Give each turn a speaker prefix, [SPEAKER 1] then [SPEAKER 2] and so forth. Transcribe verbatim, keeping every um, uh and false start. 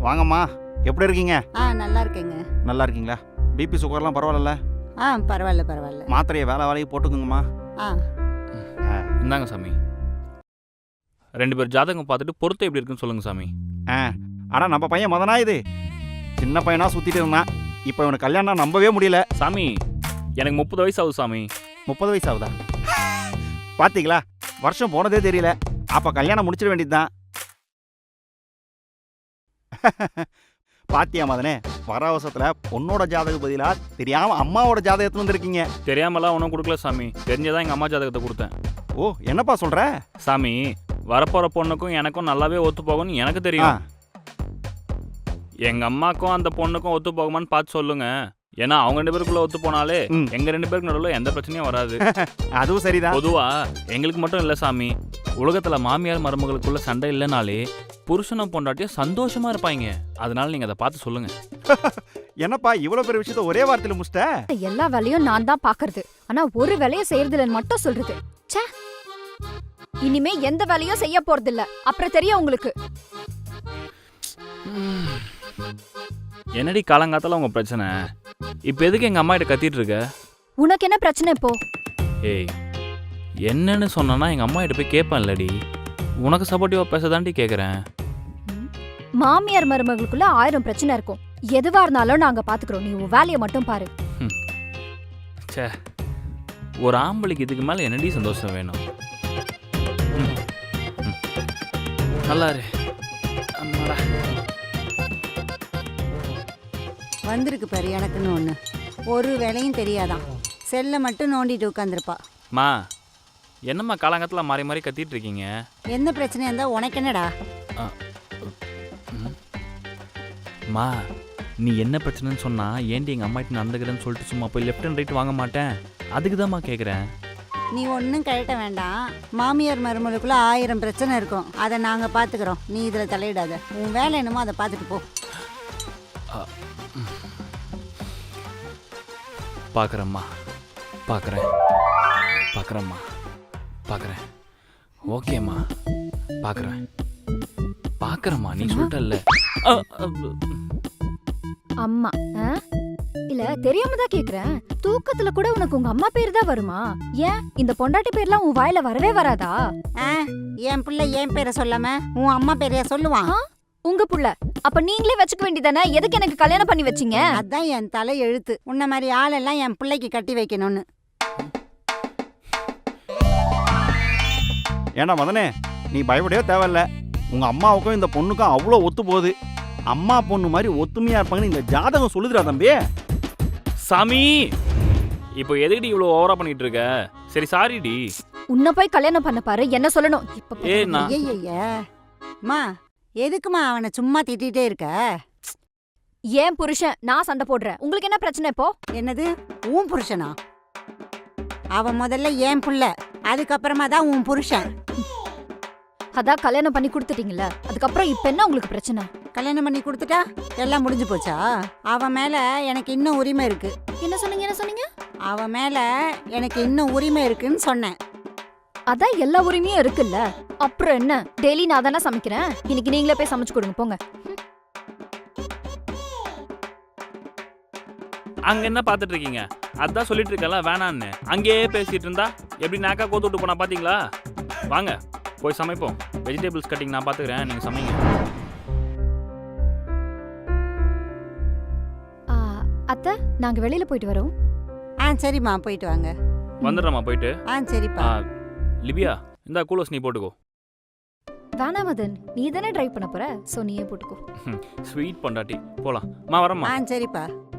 [SPEAKER 1] வாங்கம்மா, எப்படி இருக்கீங்க?
[SPEAKER 2] ஆ நல்லா இருக்கேங்க.
[SPEAKER 1] நல்லா இருக்கீங்களா? பிபி சுகர்லாம் பரவாயில்ல?
[SPEAKER 2] ஆ பரவாயில்ல பரவாயில்ல.
[SPEAKER 1] மாத்திரையை வேலை வேலையை போட்டுக்குங்கம்மா.
[SPEAKER 2] ஆ
[SPEAKER 3] இந்தாங்க சாமி. ரெண்டு பேர் ஜாதகம் பார்த்துட்டு பொருத்தம் எப்படி இருக்குன்னு சொல்லுங்க சாமி.
[SPEAKER 1] ஆ ஆனால் நம்ம பையன் மதனா இது சின்ன பையனா சுற்றிட்டு இருந்தான். இப்போ இவனுக்கு கல்யாணம் நம்பவே முடியல.
[SPEAKER 3] சாமி எனக்கு முப்பது வயசு ஆகுது சாமி.
[SPEAKER 1] முப்பது வயசு ஆகுதா? பார்த்தீங்களா, வருஷம் போனதே தெரியல. அப்போ கல்யாணம் முடிச்சிட வேண்டியதுதான். பாத்தியா மதனே, வர அவசரத்தில் பொண்ணோட ஜாதக பதிலா தெரியாம அம்மாவோட ஜாதகத்துல வந்துருக்கீங்க.
[SPEAKER 3] தெரியாமலாம் ஒன்றும் கொடுக்கல சாமி. தெரிஞ்சதான் எங்கள் அம்மா ஜாதகத்தை கொடுத்தேன்.
[SPEAKER 1] ஓ, என்னப்பா சொல்ற?
[SPEAKER 3] சாமி வரப்போகிற பொண்ணுக்கும் எனக்கும் நல்லாவே ஒத்து போகும்னு எனக்கு தெரியும். எங்கள் அம்மாக்கும் அந்த பொண்ணுக்கும் ஒத்து போகுமான்னு பார்த்து சொல்லுங்க. ஏன்னா அவங்க ரெண்டு பேருக்குள்ள ஒத்து போனாலே எங்க ரெண்டு பேருக்கு நடுவில் எந்த பிரச்சனையும் வராது.
[SPEAKER 1] அதுவும் சரிதான்.
[SPEAKER 3] பொதுவா எங்களுக்கு மட்டும் இல்லை சாமி, உலகத்துல மாமியார் மருமகளுக்குள்ள சண்டை இல்லைனாலே புருஷனும் பொண்டாட்டியும் சந்தோஷமா இருப்பாங்க. அதனால நீங்க அதை பார்த்து சொல்லுங்க.
[SPEAKER 1] என்னப்பா இவ்வளவு பெரிய விஷயத்த ஒரே வார்த்தையில முடிச்சிட்ட?
[SPEAKER 4] எல்லா வேலையும் நான் தான் பாக்குறது, ஆனா ஒரு வேலையை செய்யறதில்லன்னு மட்டும் சொல்றது. ச்சே, இனிமே எந்த வேலையும் செய்ய போறது இல்ல, அப்புறம் தெரியும் உங்களுக்கு.
[SPEAKER 3] என்னடி காலங்காத்தால உங்க பிரச்சனை? இப்ப எதுக்கு எங்க அம்மா கிட்ட கத்திட்டு இருக்க?
[SPEAKER 4] உனக்கு என்ன பிரச்சனை இப்போ?
[SPEAKER 3] ஏய், என்னன்னு சொன்னா எங்க அம்மா கிட்ட போய் கேட்பேன் இல்லடி. உனக்கு சப்போர்ட்டிவா பேசதாண்டி கேக்குறேன்.
[SPEAKER 4] மாமியார் மருமகளுக்குள்ள ஆயிரம் பிரச்சனை இருக்கும். எதுவா இருந்தாலும் நாங்க பாத்துக்கிறோம், நீ உன் வேலையை மட்டும் பாரு.
[SPEAKER 3] ச்சே, ஒரு ஆம்பளைக்கு இதுக்கு மேல என்னடி சந்தோஷம் வேணும்? நல்லா இரு. அம்மாடா.
[SPEAKER 2] வந்திருக்கு பாரு எனக்குன்னு ஒன்று. ஒரு வேலையும் தெரியாதான், செல்லை மட்டும் நோண்டிட்டு உட்காந்துருப்பா.
[SPEAKER 3] மா, என்னம்மா காலங்காத்தில் மாறி மாறி கத்திட்டு இருக்கீங்க?
[SPEAKER 2] என்ன பிரச்சனையா இருந்தா உனக்கு என்னடா?
[SPEAKER 3] மா, நீ என்ன பிரச்சனைன்னு சொன்னா ஏன்டி எங்கள் அம்மாட்ட நடந்துக்கிறேன்னு சொல்லிட்டு சும்மா போய் லெஃப்ட் அண்ட் ரைட் வாங்க மாட்டேன். அதுக்கு தான்மா கேட்குறேன்.
[SPEAKER 2] நீ ஒன்றும் கழட்ட வேண்டாம். மாமியார் மருமகளுக்குள்ள ஆயிரம் பிரச்சனை இருக்கும், அதை நாங்கள் பார்த்துக்கிறோம். நீ இதில் தலையிடாத. உன் வேலை என்னமோ அதை பார்த்துட்டு போ.
[SPEAKER 3] பார்க்குறேம்மா, பார்க்குறேன் பார்க்குறேம்மா பார்க்குறேன். ஓகேம்மா, பார்க்குறேன் பார்க்குறேம்மா. நீ சொல்லிட்டல்ல.
[SPEAKER 4] அம்மா இல்ல, தெரியாம தான் கேக்குறேன். தூக்கத்துல கூட உனக்கு உங்க அம்மா பேர் தான் வருமா? ஏன் இந்த பொண்டாட்டி பேர்லாம் உன் வாயில வரவே வராதா?
[SPEAKER 2] என் பிள்ளை என் பேரை சொல்லாம உன் அம்மா பேரையா சொல்லுவான்?
[SPEAKER 4] உங்க புள்ள அப்ப நீங்களே வச்சுக்க வேண்டியதானே? எதுக்கு எனக்கு கல்யாணம் பண்ணி வச்சீங்க?
[SPEAKER 2] அதான் என் தலை எழுத்து. உன்ன மாதிரி ஆளெல்லாம் என் பிள்ளைக்கு கட்டி வைக்கணும்னு.
[SPEAKER 1] ஏன்னா மதனே, நீ பயப்படவே தேவையில்ல. உங்க அம்மாவுக்கும் இந்த பொண்ணுக்கும் அவ்வளோ ஒத்து போகுது. அம்மா பொண்ணு மாதிரி ஒத்துமையா இருப்பாங்கன்னு இந்த ஜாதகம் சொல்லுதுடா தம்பி.
[SPEAKER 3] சாமி, இப்போ எதுக்குடி இவ்வளோ ஓவரா பண்ணிட்டு இருக்க? சரி சாரிடி.
[SPEAKER 4] உன்னை போய் கல்யாணம் பண்ண பாரு, என்ன சொல்லணும் இப்ப?
[SPEAKER 3] ஏ நான்
[SPEAKER 2] மா, எதுக்குமா அவனை சும்மா திட்டிகிட்டே இருக்க?
[SPEAKER 4] ஏன் புருஷன் நான் சண்டை போடுறேன், உங்களுக்கு என்ன பிரச்சனை இப்போ?
[SPEAKER 2] என்னது உன் புருஷனா? அவன் முதல்ல ஏன் புள்ள, அதுக்கப்புறமா தான் உன் புருஷன்.
[SPEAKER 4] அதான் கல்யாணம் பண்ணி கொடுத்துட்டீங்கல்ல, அதுக்கப்புறம் இப்ப என்ன உங்களுக்கு பிரச்சனை?
[SPEAKER 2] கல்யாணம் பண்ணி கொடுத்துட்டா எல்லாம் முடிஞ்சு போச்சா? அவன் மேல எனக்கு இன்னும் உரிமை இருக்கு.
[SPEAKER 4] என்ன சொன்னீங்க? என்ன சொன்னீங்க?
[SPEAKER 2] அவன் மேல எனக்கு இன்னும் உரிமை இருக்குன்னு சொன்னேன்.
[SPEAKER 4] அதான் எல்லா உரிமையும் இருக்குல்ல, அப்புறம் என்ன? டெய்லி நான் தானே சமைக்கிறேன், இன்னைக்கு நீங்களே போய் சமைச்சு கொடுங்க போங்க.
[SPEAKER 3] அங்க என்ன பாத்துட்டு இருக்கீங்க? அதான் சொல்லிட்டு இருக்கல வேணான்னு. அங்கேயே பேசிட்டு இருந்தா எப்படி நாக்கா கோத்து விட்டு போனா பாத்தீங்களா? வாங்க போய் சமைப்போம். வெஜிடபிள்ஸ் கட்டிங் நான் பாத்துக்கிறேன், நீங்க சமைங்க.
[SPEAKER 4] அத்தை, நாங்க வெளியில போயிட்டு வரோம்.
[SPEAKER 2] ஆ சரிம்மா, போயிட்டு வாங்க.
[SPEAKER 3] வந்துடுறமா போயிட்டு.
[SPEAKER 2] ஆ சரிப்பா.
[SPEAKER 3] லிபியா, இந்த கூலர்ஸ் நீ போட்டுக்கோ.
[SPEAKER 4] வேணா மதன், நீ தானே டிரைவ் பண்ண போற, சோ நீயே போட்டுக்கோ.
[SPEAKER 3] ஸ்வீட் பொண்டாட்டி, போலாம். மா வரமா.
[SPEAKER 2] ஆ சரிப்பா.